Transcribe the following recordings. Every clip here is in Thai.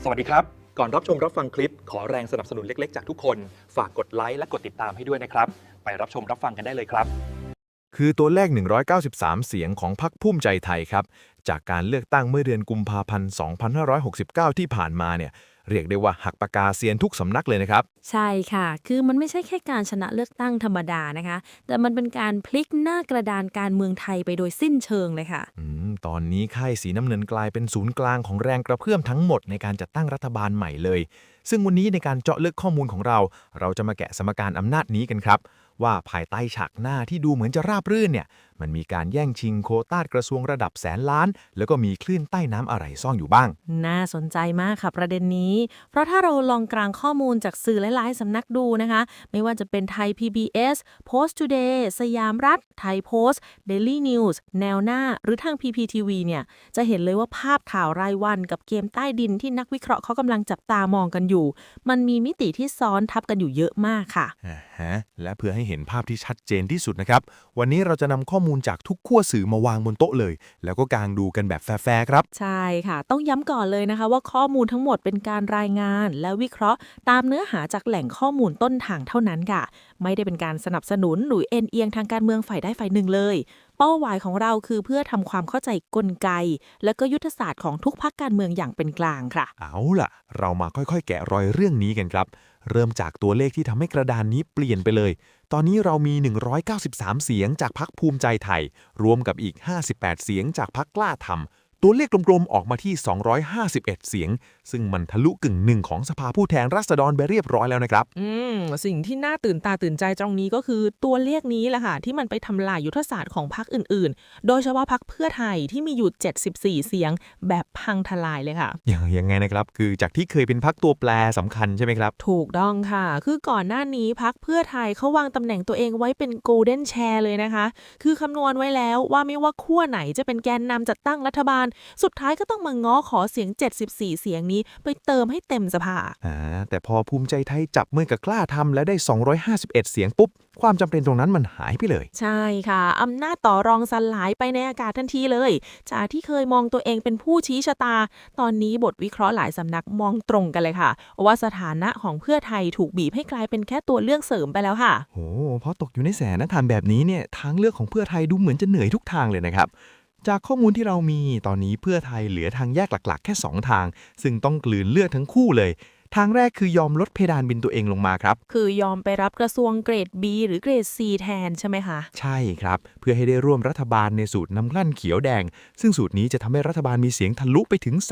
สวัสดีครับก่อนรับชมรับฟังคลิปขอแรงสนับสนุนเล็กๆจากทุกคนฝากกดไลค์และกดติดตามให้ด้วยนะครับไปรับชมรับฟังกันได้เลยครับคือตัวเลข 193 เสียงของพรรคภูมิใจไทยครับ จากการเลือกตั้งเมื่อเดือนกุมภาพันธ์ 2569 ที่ผ่านมาเนี่ย เรียกได้ว่าหักปากกาเซียนทุกสำนักเลยนะครับใช่ค่ะ คือมันไม่ใช่แค่การชนะเลือกตั้งธรรมดานะคะ แต่มันเป็นการพลิกหน้ากระดานการเมืองไทยไปโดยสิ้นเชิงเลยค่ะตอนนี้ค่ายสีน้ำเงินกลายเป็นศูนย์กลางของแรงกระเพื่อมทั้งหมดในการจัดตั้งรัฐบาลใหม่เลย ซึ่งวันนี้ในการเจาะลึกข้อมูลของเราจะมาแกะสมการอำนาจนี้กันครับ ว่าภายใต้ฉากหน้าที่ดูเหมือนจะราบรื่นเนี่ย มันมีการแย่งชิงโควต้ากระทรวงระดับแสนล้าน แล้วก็มีคลื่นใต้น้ำอะไรซ่อนอยู่บ้างน่าสนใจมากค่ะประเด็นนี้ เพราะถ้าเราลองกลางข้อมูลจากสื่อหลายๆสำนักดูนะคะ ไม่ว่าจะเป็นไทย PBS Post Today สยามรัฐ ไทยโพสต์ Daily News แนวหน้า หรือทาง PPTV เนี่ย จะเห็นเลยว่าภาพข่าวรายวันกับเกมใต้ดินที่นักวิเคราะห์เขากำลังจับตามองกันอยู่ มันมีมิติที่ซ้อนทับกันอยู่เยอะมากค่ะและเพื่อให้เห็นภาพที่ชัดเจนที่สุดนะครับ วันนี้เราจะนำข้อมูลจากทุกขั้วสื่อมาวางบนโต๊ะเลย แล้วก็กางดูกันแบบแฟร์ๆครับใช่ค่ะ ต้องย้ำก่อนเลยนะคะว่าข้อมูลทั้งหมดเป็นการรายงานและวิเคราะห์ตามเนื้อหาจากแหล่งข้อมูลต้นทางเท่านั้นค่ะ ไม่ได้เป็นการสนับสนุนหรือเอ็นเอียงทางการเมืองฝ่ายใดฝ่ายหนึ่งเลย เป้าหมายของเราคือเพื่อทำความเข้าใจกลไก และก็ยุทธศาสตร์ของทุกพรรคการเมืองอย่างเป็นกลางค่ะเอาล่ะ เรามาค่อยๆ แกะรอยเรื่องนี้กันครับ เริ่มจากตัวเลขที่ทำให้กระดานนี้เปลี่ยนไปเลย ตอนนี้เรามี 193 เสียงจากพรรคภูมิใจไทย รวมกับอีก 58 เสียงจากพรรคกล้าทำตัวเลขกลมๆ ออกมาที่ 251 เสียง ซึ่งมันทะลุกึ่งหนึ่งของสภาผู้แทนราษฎรไปเรียบร้อยแล้วนะครับสิ่งที่น่าตื่นตาตื่นใจตรงนี้ก็คือตัวเลขนี้แหละค่ะที่มันไปทำลายยุทธศาสตร์ของพรรคอื่นๆ โดยเฉพาะพรรคเพื่อไทยที่มีอยู่ 74 เสียงแบบพังทลายเลยค่ะยังไงนะครับ คือจากที่เคยเป็นพรรคตัวแปรสำคัญใช่ไหมครับถูกต้องค่ะ คือก่อนหน้านี้พรรคเพื่อไทยเขาวางตำแหน่งตัวเองไว้เป็น Golden Chair เลยนะคะ คือคำนวณไว้แล้วว่าไม่ว่าขั้วไหนจะเป็นแกนนำจัดตั้งรัฐบาล สุดท้ายก็ต้องมาง้อขอเสียง 74 เสียงนี้ไปเติมให้เต็มสภาแต่พอภูมิใจไทยจับมือกับกล้าทำและได้ 251 เสียงปุ๊บ ความจำเป็นตรงนั้นมันหายไปเลยใช่ค่ะอำนาจต่อรองสลายไปในอากาศทันทีเลยจากที่เคยมองตัวเองเป็นผู้ชี้ชะตา ตอนนี้บทวิเคราะห์หลายสำนักมองตรงกันเลยค่ะว่าสถานะของเพื่อไทยถูกบีบให้กลายเป็นแค่ตัวเลือกเสริมไปแล้วค่ะโอ้เพราะตกอยู่ในแสนธารแบบนี้เนี่ยทางเลือกของเพื่อไทยดูเหมือนจะเหนื่อยทุกทางเลยนะครับ จากข้อมูลที่เรามีตอนนี้เพื่อไทยเหลือทางแยกหลักๆแค่ 2 ทาง ซึ่งต้องกลืนเลือดทั้งคู่เลย ทางแรกคือยอมลดเพดานบินตัวเองลงมาครับคือยอมไปรับกระทรวงเกรด B หรือเกรด C แทนใช่ไหมคะใช่ครับ เพื่อให้ได้ร่วมรัฐบาลในสูตรน้ำกลั่นเขียวแดง ซึ่งสูตรนี้จะทำให้รัฐบาลมีเสียงทะลุไปถึง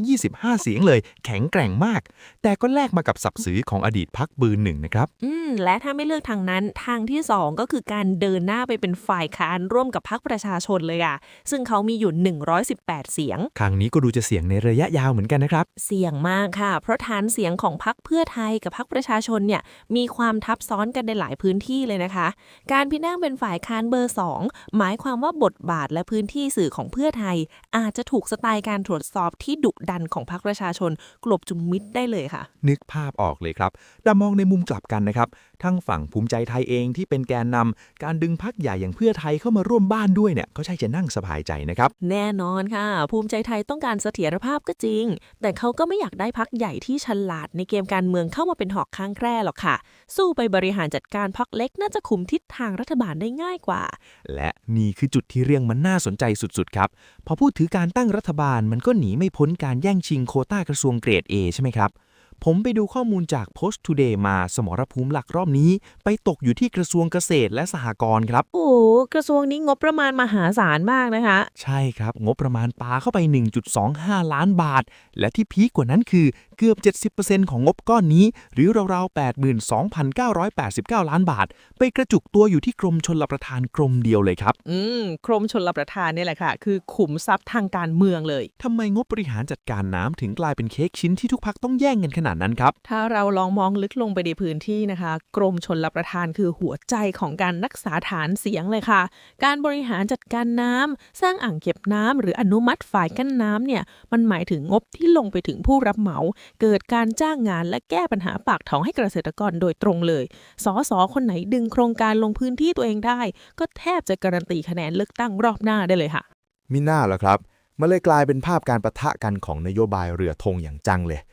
325 เสียงเลย แข็งแกร่งมาก แต่ก็แลกมากับศักดิ์ศรีของอดีตพรรคเบอร์หนึ่งนะครับและถ้าไม่เลือกทางนั้นทางที่2ก็คือการเดินหน้าไปเป็นฝ่ายค้านร่วมกับพรรคประชาชนเลยอ่ะซึ่งเขามีอยู่ 118 เสียงครั้งนี้ก็ดูจะเสี่ยงในระยะยาวเหมือนกันนะครับเสี่ยงมากค่ะ เพราะฐานเสียงของพรรคเพื่อไทยกับพรรคประชาชนเนี่ยมีความทับซ้อนกันในหลายพื้นที่เลยนะคะ การพินั่งเป็นฝ่ายค้านเบอร์ 2หมายความว่าบทบาทและพื้นที่สื่อของเพื่อไทย อาจจะถูกสไตล์การตรวจสอบที่ดุดันของพรรคประชาชนกลบจุมมิดได้เลยค่ะนึกภาพออกเลยครับแต่มองในมุมกลับกันนะครับ ทั้งฝั่งภูมิใจไทยเองที่เป็นแกนนำการดึงพรรคใหญ่อย่างเพื่อไทยเข้ามาร่วมบ้านด้วยเนี่ยก็ใช่จะนั่งสบายใจนะครับแน่นอนค่ะ ภูมิใจไทยต้องการเสถียรภาพก็จริง แต่เขาก็ไม่อยากได้พรรคใหญ่ที่ฉลาดในเกมการเมืองเข้ามาเป็นหอกข้างแคร่หรอกค่ะ สู้ไปบริหารจัดการพรรคเล็กน่าจะคุมทิศทางรัฐบาลได้ง่ายกว่าและนี่คือจุดที่เรื่องมันน่าสนใจสุดๆครับ พอพูดถึงการตั้งรัฐบาลมันก็หนีไม่พ้นการแย่งชิงโควต้ากระทรวงเกรด A ใช่ไหมครับ ผมไปดูข้อมูลจาก Post Today มาสมรภูมิหลักรอบนี้ ไปตกอยู่ที่กระทรวงเกษตรและสหกรณ์ครับโอ้โหกระทรวงนี้งบประมาณมหาศาลมากนะคะใช่ครับ งบประมาณปาเข้าไป 1.25 ล้านบาท และที่พีคกว่านั้นคือเกือบ 70% ของงบก้อนนี้ หรือราวๆ 82,989 ล้านบาท ไปกระจุกตัวอยู่ที่กรมชลประทานกรมเดียวเลยครับกรมชลประทานเนี่ยแหละค่ะ คือขุมทรัพย์ทางการเมืองเลยทำไมงบบริหารจัดการน้ำถึงกลายเป็นเค้กชิ้นที่ทุกพักต้องแย่งกันขนาดนั้นครับถ้าเราลองมองลึกลงไปในพื้นที่นะคะ กรมชลประทานคือหัวใจของการรักษาฐานเสียงเลยค่ะ การบริหารจัดการน้ำสร้างอ่างเก็บน้ำหรืออนุมัติฝ่ายกั้นน้ำเนี่ยมันหมายถึงงบที่ลงไปถึงผู้รับเหมา เกิดการจ้างงานและแก้ปัญหาปากท้องให้เกษตรกรโดยตรงเลยสสคนไหนดึงโครงการลงพื้นที่ตัวเองได้ ก็แทบจะการันตีคะแนนเลือกตั้งรอบหน้าได้เลยค่ะมิน่าเหรอครับมันเลยกลายเป็นภาพการปะทะกันของนโยบายเรือธงอย่างจังเลย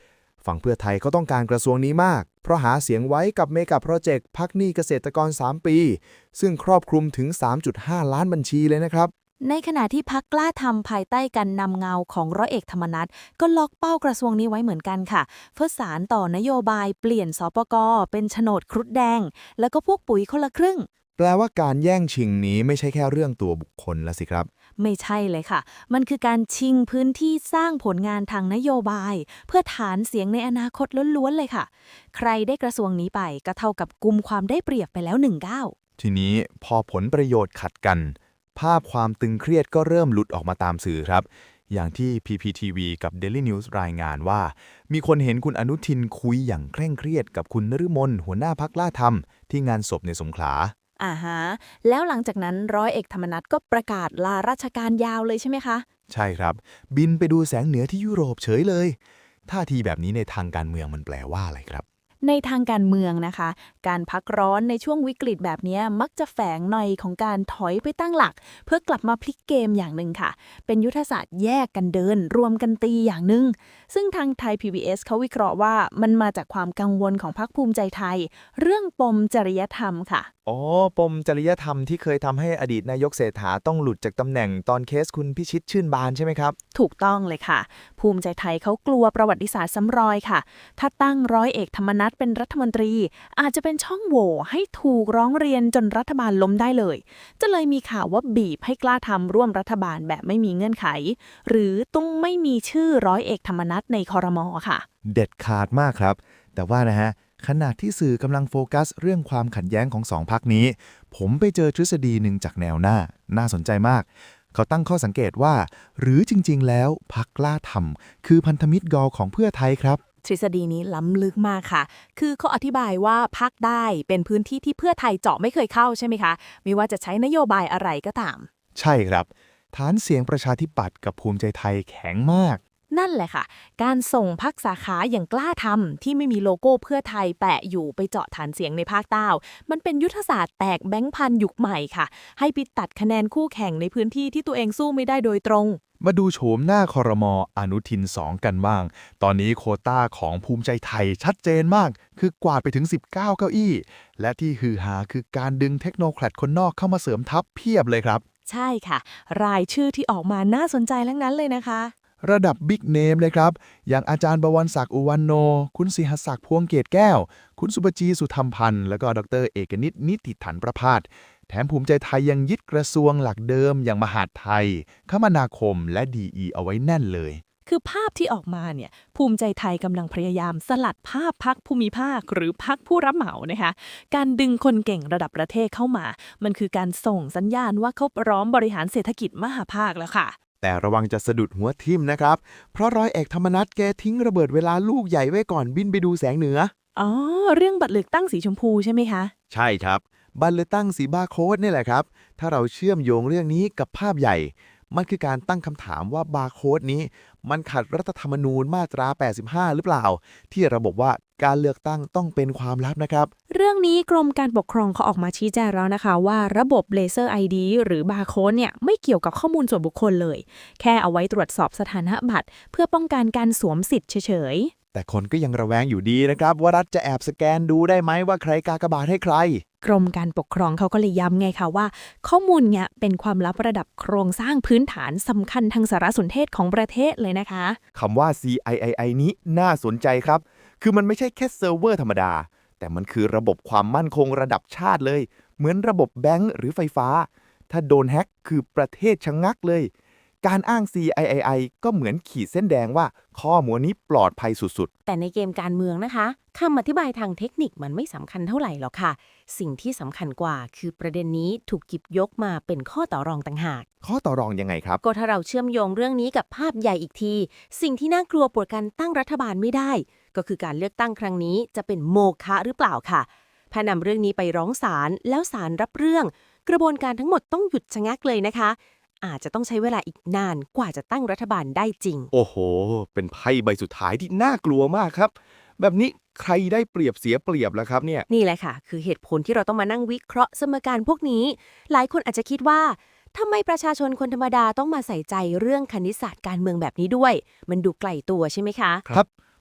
ฝั่งเพื่อไทยเขาต้องการกระทรวงนี้มากเพราะหาเสียงไว้กับเมกะโปรเจกต์พักหนี้เกษตรกร3 ปีซึ่งครอบคลุมถึง 3.5 ล้านบัญชีเลยนะครับในขณะที่พรรคกล้าทำภายใต้การนำเงาของร้อยเอกธรรมนัฐก็ล็อกเป้ากระทรวงนี้ไว้เหมือนกันค่ะเพื่อสานต่อนโยบายเปลี่ยนสปก.เป็นโฉนดครุฑแดงแล้วก็พวกปุ๋ยคนละครึ่งแปลว่าการแย่งชิงนี้ไม่ใช่แค่เรื่องตัวบุคคลแล้วสิครับไม่ใช่เลยค่ะมันคือการชิงพื้นที่สร้างผลงานทางนโยบายเพื่อฐานเสียงในอนาคตล้วนๆเลยค่ะใครได้กระทรวงนี้ไปก็เท่ากับกุมความได้เปรียบไปแล้ว1 ก้าวทีนี้พอผลประโยชน์ขัดกันภาพความตึงเครียดก็เริ่มหลุดออกมาตามสื่อครับอย่างที่ PPTV กับ Daily News รายงานว่ามีคนเห็นคุณอนุทินคุยอย่างเคร่งเครียดกับคุณนฤมลหัวหน้าพรรคกล้าทำที่งานศพในสงขลาแล้วหลังจากนั้นร้อยเอกธรรมนัฐก็ประกาศลาราชการยาวเลยใช่ไหมคะใช่ครับบินไปดูแสงเหนือที่ยุโรปเฉยเลยท่าทีแบบนี้ในทางการเมืองมันแปลว่าอะไรครับในทางการเมืองนะคะการพักร้อนในช่วงวิกฤตแบบนี้มักจะแฝงหน่อยของการถอยไปตั้งหลักเพื่อกลับมาพลิกเกมอย่างหนึ่งค่ะเป็นยุทธศาสตร์แยกกันเดินรวมกันตีอย่างหนึ่งซึ่งทางไทย PBS เขาวิเคราะห์ว่ามันมาจากความกังวลของพรรคภูมิใจไทยเรื่องปมจริยธรรมค่ะปมจริยธรรมที่เคยทำให้อดีตนายกเศรษฐาต้องหลุดจากตำแหน่งตอนเคสคุณพิชิตชื่นบานใช่ไหมครับถูกต้องเลยค่ะภูมิใจไทยเขากลัวประวัติศาสตร์ซ้ำรอยค่ะถ้าตั้งร้อยเอกธรรมนัฐเป็นรัฐมนตรีอาจจะเป็นช่องโหว่ให้ถูกร้องเรียนจนรัฐบาลล้มได้เลยจะเลยมีข่าวว่าบีบให้กล้าทำร่วมรัฐบาลแบบไม่มีเงื่อนไขหรือต้องไม่มีชื่อร้อยเอกธรรมนัฐในครม.ค่ะเด็ดขาดมากครับแต่ว่านะฮะขณะที่สื่อกำลังโฟกัสเรื่องความขัดแย้งของสองพรรคนี้ผมไปเจอทฤษฎีหนึ่งจากแนวหน้าน่าสนใจมากเขาตั้งข้อสังเกตว่าหรือจริงๆแล้วพรรคกล้าทำคือพันธมิตรกอของเพื่อไทยครับทฤษฎีนี้ล้ำลึกมากค่ะคือเขาอธิบายว่าพรรคได้เป็นพื้นที่ที่เพื่อไทยเจาะไม่เคยเข้าใช่ไหมคะไม่ว่าจะใช้นโยบายอะไรก็ตามใช่ครับฐานเสียงประชาธิปัตย์กับภูมิใจไทยแข็งมากนั่นแหละค่ะการส่งพรรคสาขาอย่างกล้าทำที่ไม่มีโลโก้เพื่อไทยแปะอยู่ไปเจาะฐานเสียงในภาคใต้มันเป็นยุทธศาสตร์แตกแบงค์พันยุคใหม่ค่ะให้ไปตัดคะแนนคู่แข่งในพื้นที่ที่ตัวเองสู้ไม่ได้โดยตรงมาดูโฉมหน้าครม.อนุทิน2กันบ้างตอนนี้โควต้าของภูมิใจไทยชัดเจนมากคือกวาดไปถึง19เก้าอี้และที่ฮือฮาคือการดึงเทคโนแครดคนนอกเข้ามาเสริมทัพเพียบเลยครับใช่ค่ะรายชื่อที่ออกมาน่าสนใจทั้งนั้นเลยนะคะระดับบิ๊กเนมเลยครับอย่างอาจารย์บวรศักดิ์อุวันโนคุณสิหศักดิ์พวงเกตแก้วคุณสุปจีสุธรรมพันธ์แล้วก็ดร.เอกนิตนิติถันประภาสแถมภูมิใจไทยยังยึดกระทรวงหลักเดิมอย่างมหาดไทยคมนาคมและดีเอาไว้แน่นเลยคือภาพที่ออกมาเนี่ยภูมิใจไทยกำลังพยายามสลัดภาพพรรคภูมิภาคหรือพรรคผู้รับเหมานะคะการดึงคนเก่งระดับประเทศเข้ามามันคือการส่งสัญญาณว่าเขาพร้อมบริหารเศรษฐกิจมหาภาคแล้วค่ะแต่ระวังจะสะดุดหัวทิ่มนะครับเพราะร้อยเอกธรรมนัฐแกทิ้งระเบิดเวลาลูกใหญ่ไว้ก่อนบินไปดูแสงเหนือเรื่องบัตรเลือกตั้งสีชมพูใช่ไหมคะใช่ครับบัตรเลือกตั้งสีบาร์โค้ดนี่แหละครับถ้าเราเชื่อมโยงเรื่องนี้กับภาพใหญ่มันคือการตั้งคำถามว่าบาร์โค้ดนี้มันขัดรัฐธรรมนูญมาตรา85หรือเปล่าที่ระบบว่าการเลือกตั้งต้องเป็นความลับนะครับเรื่องนี้กรมการปกครองเขาออกมาชี้แจงแล้วนะคะว่าระบบเลเซอร์ ID หรือบาร์โค้ดเนี่ยไม่เกี่ยวกับข้อมูลส่วนบุคคลเลยแค่เอาไว้ตรวจสอบสถานะบัตรเพื่อป้องกันการสวมสิทธิ์เฉยแต่คนก็ยังระแวงอยู่ดีนะครับว่ารัฐจะแอบสแกนดูได้ไหมว่าใครกากบาทให้ใครกรมการปกครองเขาก็เลยย้ำไงคะว่าข้อมูลเนี่ยเป็นความลับระดับโครงสร้างพื้นฐานสำคัญทางสารสนเทศของประเทศเลยนะคะคำว่า CIII นี้น่าสนใจครับคือมันไม่ใช่แค่เซิร์ฟเวอร์ธรรมดาแต่มันคือระบบความมั่นคงระดับชาติเลยเหมือนระบบแบงก์หรือไฟฟ้าถ้าโดนแฮ็กคือประเทศชะงักเลยการอ้าง CIII ก็เหมือนขีดเส้นแดงว่าข้อมูลนี้ปลอดภัยสุดๆแต่ในเกมการเมืองนะคะคำอธิบายทางเทคนิคมันไม่สำคัญเท่าไหร่หรอกค่ะสิ่งที่สำคัญกว่าคือประเด็นนี้ถูกหยิบยกมาเป็นข้อต่อรองต่างหากข้อต่อรองยังไงครับก็ถ้าเราเชื่อมโยงเรื่องนี้กับภาพใหญ่อีกทีสิ่งที่น่ากลัวปวดการตั้งรัฐบาลไม่ได้ก็คือการเลือกตั้งครั้งนี้จะเป็นโมฆะหรือเปล่าค่ะพอนำเรื่องนี้ไปร้องศาลแล้วศาลรับเรื่องกระบวนการทั้งหมดต้องหยุดชะงักเลยนะคะอาจจะต้องใช้เวลาอีกนานกว่าจะตั้งรัฐบาลได้จริงโอ้โหเป็นไพ่ใบสุดท้ายที่น่ากลัวมากครับแบบนี้ใครได้เปรียบเสียเปรียบล่ะครับเนี่ยนี่แหละค่ะคือเหตุผลที่เราต้องมานั่งวิเคราะห์สมการพวกนี้หลายคนอาจจะคิดว่าทำไมประชาชนคนธรรมดาต้องมาใส่ใจเรื่องคณิตศาสตร์การเมืองแบบนี้ด้วยมันดูไกลตัวใช่ไหมคะครับ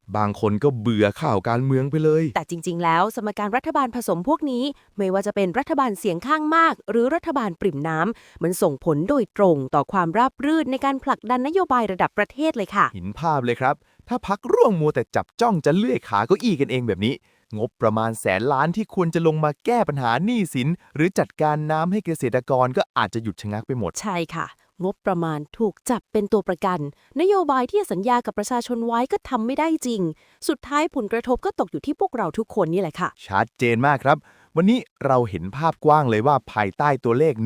บางคนก็เบื่อข่าวการเมืองไปเลยแต่จริงๆ แล้วสมการรัฐบาลผสมพวกนี้ ไม่ว่าจะเป็นรัฐบาลเสียงข้างมาก หรือรัฐบาลปริ่มน้ำมันส่งผลโดยตรงต่อความราบรื่นในการผลักดันนโยบายระดับประเทศเลยค่ะเห็นภาพเลยครับ ถ้าพักร่วมมัวแต่จับจ้องจะเลื่อยขาเก้าอี้กันเองแบบนี้ งบประมาณแสนล้านที่ควรจะลงมาแก้ปัญหาหนี้สิน หรือจัดการน้ำให้เกษตรกรก็อาจจะหยุดชะงักไปหมดใช่ค่ะ งบประมาณถูกจับเป็นตัวประกัน นโยบายที่สัญญากับประชาชนไว้ก็ทำไม่ได้จริง สุดท้ายผลกระทบก็ตกอยู่ที่พวกเราทุกคนนี่แหละค่ะชัดเจนมากครับ วันนี้เราเห็นภาพกว้างเลยว่าภายใต้ตัวเลข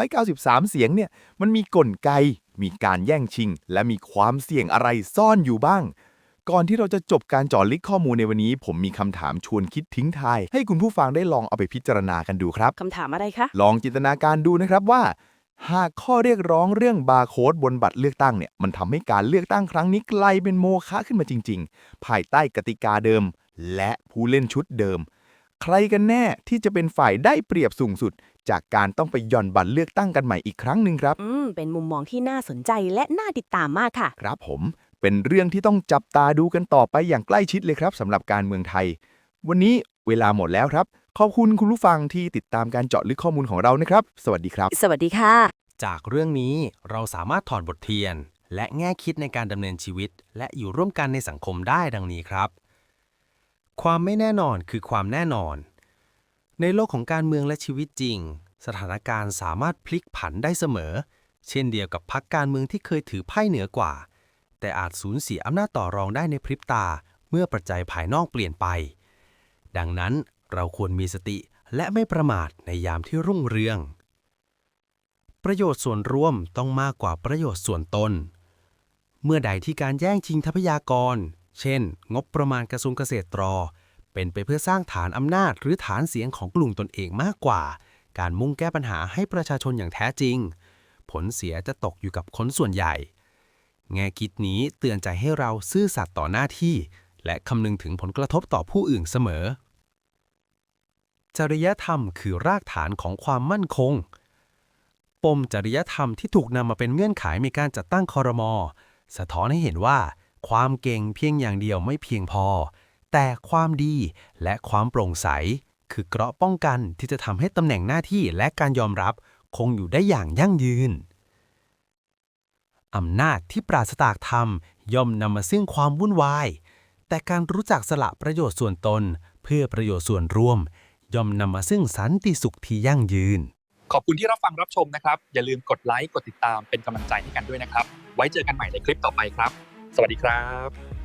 193 เสียงเนี่ย มันมีกลไก มีการแย่งชิง และมีความเสี่ยงอะไรซ่อนอยู่บ้าง ก่อนที่เราจะจบการเจาะลึกข้อมูลในวันนี้ ผมมีคำถามชวนคิดทิ้งท้าย ให้คุณผู้ฟังได้ลองเอาไปพิจารณากันดูครับคำถามอะไรคะลองจินตนาการดูนะครับว่า หากข้อเรียกร้องเรื่องบาร์โค้ดบนบัตรเลือกตั้งเนี่ยมันทำให้การเลือกตั้งครั้งนี้กลายเป็นโมฆะขึ้นมาจริงๆ ภายใต้กติกาเดิม และผู้เล่นชุดเดิม ใครกันแน่ที่จะเป็นฝ่ายได้เปรียบสูงสุด จากการต้องไปหย่อนบัตรเลือกตั้งกันใหม่อีกครั้งหนึ่งครับเป็นมุมมองที่น่าสนใจและน่าติดตามมากค่ะครับผมเป็นเรื่องที่ต้องจับตาดูกันต่อไปอย่างใกล้ชิดเลยครับสำหรับการเมืองไทย วันนี้เวลาหมดแล้วครับ ขอบคุณคุณผู้ฟังที่ติดตามการเจาะลึกข้อมูลของเรานะครับ สวัสดีครับสวัสดีค่ะจากเรื่องนี้เราสามารถถอดบทเรียน และแง่คิดในการดำเนินชีวิต และอยู่ร่วมกันในสังคมได้ดังนี้ครับ ความไม่แน่นอนคือความแน่นอน ในโลกของการเมืองและชีวิตจริง สถานการณ์สามารถพลิกผันได้เสมอ เช่นเดียวกับพรรคการเมืองที่เคยถือไพ่เหนือกว่า แต่อาจสูญเสียอำนาจต่อรองได้ในพริบตาเมื่อปัจจัยภายนอกเปลี่ยนไป ดังนั้นเราควรมีสติและไม่ประมาทในยามที่รุ่งเรือง ประโยชน์ส่วนรวมต้องมากกว่าประโยชน์ส่วนตน เมื่อใดที่การแย่งชิงทรัพยากร เช่น งบประมาณกระทรวงเกษตรเป็นไปเพื่อสร้างฐานอำนาจหรือฐานเสียงของกลุ่มตนเองมากกว่า การมุ่งแก้ปัญหาให้ประชาชนอย่างแท้จริง ผลเสียจะตกอยู่กับคนส่วนใหญ่ แง่คิดนี้เตือนใจให้เราซื่อสัตย์ต่อหน้าที่ และคำนึงถึงผลกระทบต่อผู้อื่นเสมอ จริยธรรมคือรากฐานของความมั่นคง ปมจริยธรรมที่ถูกนำมาเป็นเงื่อนไขในการจัดตั้งครม.สะท้อนให้เห็นว่า ความเก่งเพียงอย่างเดียวไม่เพียงพอ แต่ความดีและความโปร่งใสคือเกราะป้องกันที่จะทำให้ตำแหน่งหน้าที่และการยอมรับคงอยู่ได้อย่างยั่งยืน อำนาจที่ปราศจากธรรมย่อมนำมาซึ่งความวุ่นวาย แต่การรู้จักสละประโยชน์ส่วนตนเพื่อประโยชน์ส่วนรวม ย่อมนำมาซึ่งสันติสุขที่ยั่งยืนขอบคุณที่รับฟังรับชมนะครับ อย่าลืมกดไลค์กดติดตามเป็นกำลังใจให้กันด้วยนะครับ ไว้เจอกันใหม่ในคลิปต่อไปครับ สวัสดีครับ